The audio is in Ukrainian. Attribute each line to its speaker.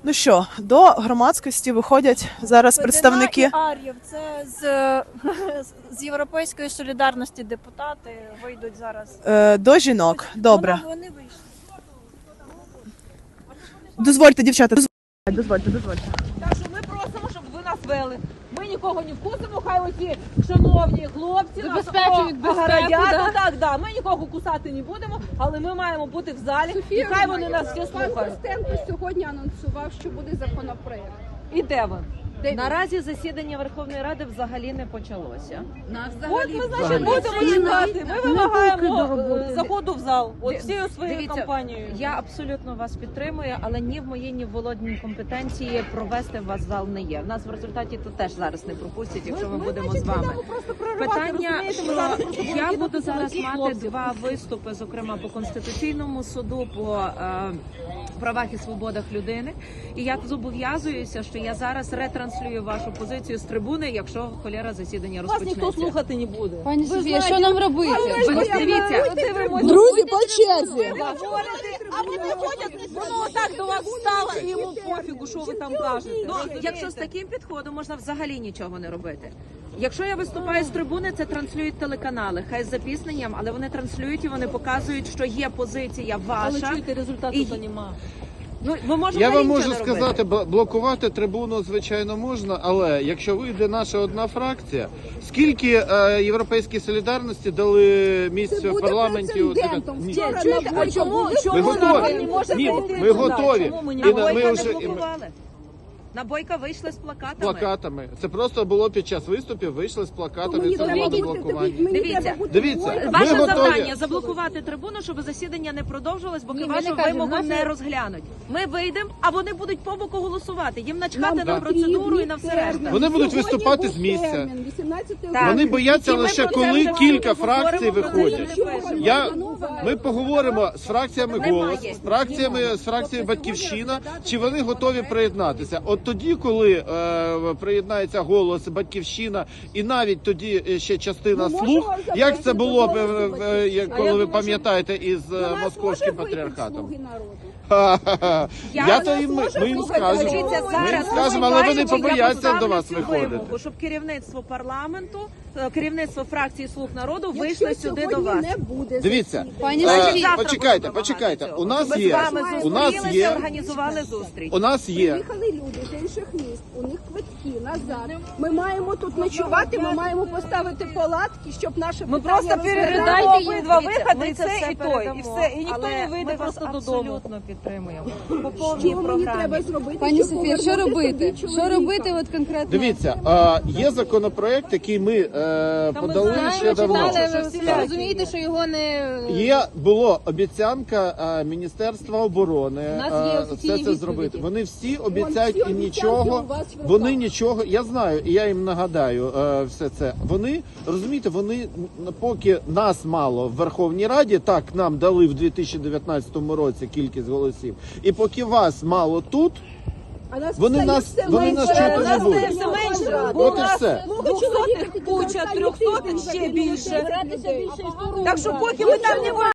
Speaker 1: Ну що, до громадськості виходять зараз представники.
Speaker 2: Ар'їв, це з Європейської солідарності депутати вийдуть зараз.
Speaker 1: До жінок. Добре.
Speaker 2: Вони вийшли.
Speaker 1: Дозвольте, дівчата, дозвольте.
Speaker 3: Так що ми просимо, щоб ви нас вели. Ми нікого не вкусимо, хай оці шановні хлопці
Speaker 4: Забезпечують безпеку,
Speaker 3: огородять. Так, ми нікого кусати не будемо, але ми маємо бути в залі, і хай вони нас всі
Speaker 4: Пан
Speaker 3: слухають.
Speaker 4: Костенко сьогодні анонсував, що буде законопроект.
Speaker 3: І де ви?
Speaker 5: Наразі засідання Верховної Ради взагалі не почалося.
Speaker 3: От ми, значить, будемо чекати. Ми вимагаємо заходу в зал. От всією своєю
Speaker 5: Дивіться,
Speaker 3: компанією.
Speaker 5: Я абсолютно вас підтримую, але ні в моїй, ні в Володіній компетенції провести вас в зал не є. В нас в результаті тут теж зараз не пропустять, якщо ми будемо з вами. Питання, що я буду зараз мати два виступи, зокрема по Конституційному суду, по правах і свободах людини. І я зобов'язуюся, що я зараз ретранслюю вашу позицію з трибуни, якщо холєра засідання
Speaker 3: Вас
Speaker 5: розпочнеться.
Speaker 3: ніхто слухати не буде.
Speaker 4: Пані Софія, що нам робити?
Speaker 5: Дивіться,
Speaker 1: Друзі, по черзі.
Speaker 3: А вони ходять, воно отак до вас встало, і йому пофігу, що ви там кажете.
Speaker 5: ну, якщо з таким підходом можна взагалі нічого не робити. Якщо я виступаю з трибуни, це транслюють телеканали, хай з запізненням, але вони транслюють і вони показують, що є позиція
Speaker 3: Але
Speaker 5: ваша.
Speaker 3: чуєте, результату
Speaker 5: І-
Speaker 3: то нема.
Speaker 5: Ну, ми можемо
Speaker 6: Я вам
Speaker 5: нічого
Speaker 6: можу
Speaker 5: не робити.
Speaker 6: сказати, блокувати трибуну, звичайно, можна, але якщо вийде наша одна фракція, скільки Європейській солідарності дали місць в парламенті? Ні.
Speaker 3: Чуєте, а чому
Speaker 6: Ми
Speaker 3: народ
Speaker 6: готові.
Speaker 3: не може
Speaker 6: Ні,
Speaker 3: прийти
Speaker 6: ми
Speaker 3: туди?
Speaker 6: готові.
Speaker 3: Чому ми не
Speaker 6: І
Speaker 5: На
Speaker 6: ми
Speaker 5: Бойка не
Speaker 6: вже-
Speaker 5: блокували. На Бойка вийшли з плакатами.
Speaker 6: Плакатами. Це просто було під час виступів, вийшли з плакатами,
Speaker 4: Мені
Speaker 6: це
Speaker 4: треба
Speaker 6: було
Speaker 4: бути,
Speaker 6: блокування.
Speaker 5: Дивіться,
Speaker 6: Дивіться, ми
Speaker 5: ваше
Speaker 6: готові.
Speaker 5: завдання заблокувати трибуну, щоб засідання не продовжилось, бо вашу вимогу не розглянуть. Ми вийдемо, а вони будуть по боку голосувати. Їм начхати на процедуру і на все решта.
Speaker 6: Вони будуть виступати з місця.
Speaker 5: Так.
Speaker 6: Вони бояться
Speaker 5: І ми
Speaker 6: лише
Speaker 5: про це
Speaker 6: коли
Speaker 5: вже
Speaker 6: кілька
Speaker 5: говоримо,
Speaker 6: фракцій
Speaker 5: про це
Speaker 6: виходять.
Speaker 5: не пишемо.
Speaker 6: Ми поговоримо з фракціями
Speaker 5: Немає.
Speaker 6: «Голос», з фракцією «Батьківщина», чи вони готові приєднатися. От тоді, коли приєднається «Голос», «Батьківщина» і навіть тоді ще частина «Слуг», як це було, коли ви пам'ятаєте, із московським патріархатом. Я то їм, ми їм скажемо.
Speaker 5: Дивіться,
Speaker 6: Ми їм
Speaker 5: зараз
Speaker 6: скажемо, але вони
Speaker 5: виступаючи, я
Speaker 6: побояться
Speaker 5: поставлю
Speaker 6: до вас
Speaker 5: цю
Speaker 6: виходити.
Speaker 5: вимогу, щоб керівництво парламенту, керівництво фракції «Слуг народу» вийшли сюди до вас.
Speaker 6: Дивіться,
Speaker 4: Пані
Speaker 5: Софія, завтра
Speaker 6: почекайте,
Speaker 5: будемо
Speaker 6: почекайте.
Speaker 5: вимагати
Speaker 6: У нас
Speaker 5: цього. Ми
Speaker 6: є,
Speaker 5: з вами
Speaker 6: у нас
Speaker 5: зустрілися,
Speaker 6: є,
Speaker 5: організували зустріч.
Speaker 6: у нас є.
Speaker 4: Приїхали люди з інших міст, у них квитки назад. Ми маємо тут ночувати, ми маємо поставити палатки, щоб наше
Speaker 3: Ми
Speaker 4: питання
Speaker 3: просто передаємо
Speaker 4: розглядати.
Speaker 3: обидва
Speaker 5: Дивіться,
Speaker 3: виходи,
Speaker 5: ми
Speaker 3: і
Speaker 5: це
Speaker 3: це,
Speaker 5: все
Speaker 3: і той, і
Speaker 5: передамо,
Speaker 3: все. І ніхто
Speaker 5: але
Speaker 3: не вийде
Speaker 5: ми вас
Speaker 3: просто додому.
Speaker 5: абсолютно підтримуємо. По
Speaker 4: Що
Speaker 5: повній
Speaker 4: мені
Speaker 5: програмі.
Speaker 4: треба зробити?
Speaker 7: Пані
Speaker 4: щоб
Speaker 7: Софія, що
Speaker 4: повернути
Speaker 7: робити?
Speaker 4: собі
Speaker 7: Що
Speaker 4: чоловіка?
Speaker 7: робити от конкретно?
Speaker 6: Дивіться, є законопроект, який ми подали
Speaker 3: знаємо,
Speaker 6: ще давно.
Speaker 3: читали,
Speaker 7: Але ви
Speaker 6: Так.
Speaker 7: розумієте, що його не...
Speaker 6: Була обіцянка Міністерства оборони
Speaker 7: У нас є офіційні
Speaker 6: все це
Speaker 7: відповіді.
Speaker 6: зробити. Вони всі обіцяють
Speaker 4: всі
Speaker 6: і
Speaker 4: обіцянки
Speaker 6: нічого.
Speaker 4: у вас в руках.
Speaker 6: Вони нічого. Я знаю, і я їм нагадаю все це. Вони розумієте, вони поки нас мало в Верховній Раді, так нам дали в 2019 році кількість голосів, і поки вас мало тут.
Speaker 4: А нас
Speaker 6: Вони
Speaker 4: стає
Speaker 6: нас-
Speaker 4: все
Speaker 6: вони
Speaker 4: менше.
Speaker 6: нас чути не
Speaker 3: Нас
Speaker 6: будуть.
Speaker 3: все менше, бо
Speaker 6: От
Speaker 3: у
Speaker 6: і
Speaker 3: нас
Speaker 6: все.
Speaker 3: 200-х куча, 300-х ще більше. Так що поки ми там не